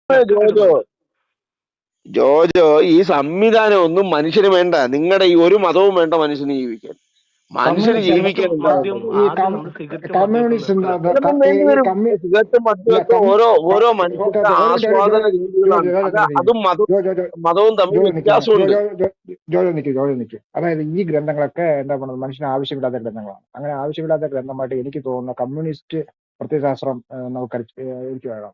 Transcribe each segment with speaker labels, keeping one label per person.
Speaker 1: പ്രശ്നമൊക്കെ
Speaker 2: ജോജോ
Speaker 1: വരുന്നുണ്ട്.
Speaker 2: ജോജോ ഈ സംവിധാനം ഒന്നും മനുഷ്യന് വേണ്ട. നിങ്ങളുടെ ഈ ഒരു മതവും വേണ്ട മനുഷ്യന് ജീവിക്കാൻ. മനുഷ്യന്
Speaker 3: കമ്മ്യൂണിസ്റ്റ് അല്ല
Speaker 2: ജീവിക്കാൻ
Speaker 1: സിഗരറ്റും
Speaker 2: എന്താ
Speaker 1: മദ്യം
Speaker 2: വേണ്ടത്?
Speaker 3: ഈ
Speaker 1: ആദ്യം നമ്മൾ സിഗരറ്റും മദ്യമൊക്കെ
Speaker 3: കമ്മ്യൂണിസ്റ്റ് എന്താ
Speaker 1: നിർത്തലാക്കുക.
Speaker 2: ചിലപ്പം വേണ്ടി
Speaker 3: ഈ
Speaker 2: വരും. സിഗരറ്റും
Speaker 3: ഇല്ല
Speaker 2: മദ്യമൊക്കെ ഓരോ
Speaker 3: ഓക്കെ
Speaker 2: മനുഷ്യന്റെ
Speaker 3: ഓക്കെ ഒരു മിനിറ്റ്
Speaker 2: ആസ്വാദന രീതികളാണ്. അത് അതും
Speaker 3: ജോജോ
Speaker 2: മതവും തമ്മിൽ
Speaker 3: ജോജോ നിൽക്കുന്നു
Speaker 2: വ്യത്യാസമുണ്ട്.
Speaker 3: ജോജോ നിൽക്കും. അതായത് ഈ ഗ്രന്ഥങ്ങളൊക്കെ എന്താ പറയുന്നത് മനുഷ്യന് ആവശ്യമില്ലാത്ത ഗ്രന്ഥങ്ങളാണ്. അങ്ങനെ ആവശ്യമില്ലാത്ത ഗ്രന്ഥമായിട്ട് എനിക്ക് തോന്നുന്ന കമ്മ്യൂണിസ്റ്റ് പ്രത്യയശാസ്ത്രം നമുക്ക് എനിക്ക് വേണം.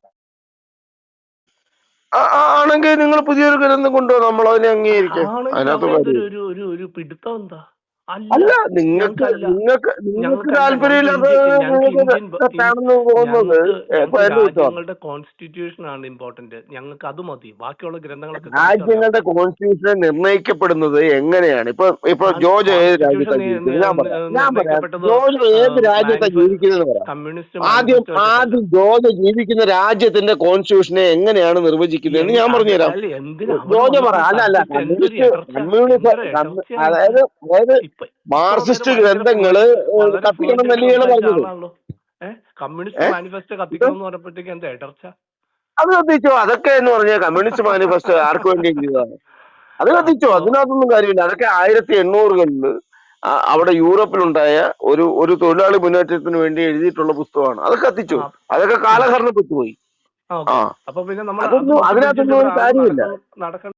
Speaker 2: ആണെങ്കിൽ നിങ്ങൾ പുതിയൊരു ഗ്രന്ഥം കൊണ്ടുവോ, നമ്മൾ അതിനെ അംഗീകരിക്കാം.
Speaker 1: ആണെങ്കിൽ
Speaker 2: അതിനകത്ത്
Speaker 1: അവന്റെ
Speaker 2: കാര്യം
Speaker 1: ഒരു പിടുത്തം എന്താ? അല്ല,
Speaker 2: അല്ല. നിങ്ങൾക്ക്
Speaker 1: ഞങ്ങൾക്കല്ല
Speaker 2: നിങ്ങൾക്ക് നിങ്ങൾക്ക്
Speaker 1: ഞങ്ങൾക്കല്ല ഞങ്ങൾക്ക്
Speaker 2: താല്പര്യമില്ലാത്ത
Speaker 1: ഞങ്ങൾക്ക്
Speaker 2: നിങ്ങൾക്ക് തെറ്റാണെന്ന് തോന്നുന്നത് ഇപ്പൊ
Speaker 1: ഞങ്ങൾക്ക്
Speaker 2: എന്റെ കുറ്റമാണ്.
Speaker 1: രാജ്യങ്ങളുടെ കോൺസ്റ്റിറ്റ്യൂഷൻ ആണ് ഇമ്പോർട്ടന്റ്. ഞങ്ങൾക്ക് അത് മതി, ബാക്കിയുള്ള ഗ്രന്ഥങ്ങളൊക്കെ കത്തിച്ചറിയാം.
Speaker 2: രാജ്യങ്ങളുടെ കോൺസ്റ്റിറ്റ്യൂഷൻ നിർണ്ണയിക്കപ്പെടുന്നത് എങ്ങനെയാണ്? ഇപ്പൊ ജോജോ ഏത്
Speaker 1: കോൺസ്റ്റിറ്റ്യൂഷൻ
Speaker 2: രാജ്യത്താണ് ജീവിക്കുന്നത്? ഞാൻ പറയാം
Speaker 1: നിർണ്ണയിക്കപ്പെട്ടത്
Speaker 2: ജോജോ ഏത് രാജ്യത്താണ് ജീവിക്കുന്നത് പറയാം.
Speaker 1: കമ്മ്യൂണിസ്റ്റ്
Speaker 2: ആദ്യം
Speaker 1: മാനിഫെസ്റ്റോ വെച്ചിട്ടല്ല.
Speaker 2: ആദ്യം ജോജോ ജീവിക്കുന്ന രാജ്യത്തിന്റെ കോൺസ്റ്റിറ്റ്യൂഷനെ എങ്ങനെയാണ് നിർവചിക്കുന്നതെന്ന് ഞാൻ പറഞ്ഞുതരാം.
Speaker 1: അല്ല, എന്തിനാ അവിടെ
Speaker 2: ജോജോ പറ.
Speaker 1: വന്നിട്ട്
Speaker 2: അല്ല
Speaker 1: സബ്ജക്ട് എന്തൊരു എടർച്ച, എന്തൊരു എടർച്ചയാണ് ഇത്.
Speaker 2: അതായത്
Speaker 1: ഇപ്പൊ ഇത്ര നേരം
Speaker 2: മാർക്സിസ്റ്റ്
Speaker 1: ഭയങ്കര
Speaker 2: ഗ്രന്ഥങ്ങള്
Speaker 1: വളരെ
Speaker 2: കത്തിക്കണം
Speaker 1: ഫ്ലുവന്റ് ആയിട്ട്
Speaker 2: എന്നല്ലേ ഇയാള്
Speaker 1: സംസാരിച്ച
Speaker 2: പറഞ്ഞത്?
Speaker 1: ആളാണല്ലോ. കമ്മ്യൂണിസ്റ്റ് മാനിഫെസ്റ്റോ
Speaker 2: ഇത്
Speaker 1: കത്തിക്കണം എന്ന് പറഞ്ഞപ്പോഴത്തേക്ക് എന്താ എടർച്ച?
Speaker 2: അത് കത്തിച്ചോ. അതൊക്കെ എന്ന് പറഞ്ഞാൽ കമ്മ്യൂണിസ്റ്റ് മാനിഫെസ്റ്റോ ആർക്ക് വേണ്ടി എഴുതിയതാണ്? അത് കത്തിച്ചോ.
Speaker 1: അപ്പോ
Speaker 2: അതിനകത്തൊന്നും കാര്യമില്ല. അതൊക്കെ 1800-കളിൽ അവിടെ യൂറോപ്പിലുണ്ടായ ഒരു തൊഴിലാളി മുന്നേറ്റത്തിന് വേണ്ടി എഴുതിയിട്ടുള്ള പുസ്തകമാണ്. അത് കത്തിച്ചോ. അതൊക്കെ കാലഹരണപ്പെട്ടു പോയി.
Speaker 1: ഓക്കെ. അപ്പൊ പിന്നെ നമ്മൾ അത്
Speaker 2: അതിനകത്തൊന്നും
Speaker 1: പൊക്കിപ്പിടിച്ചിട്ട്
Speaker 2: ഒരു
Speaker 1: ഇവിടെ ആരും
Speaker 2: കാര്യമില്ല.
Speaker 1: നടക്കണം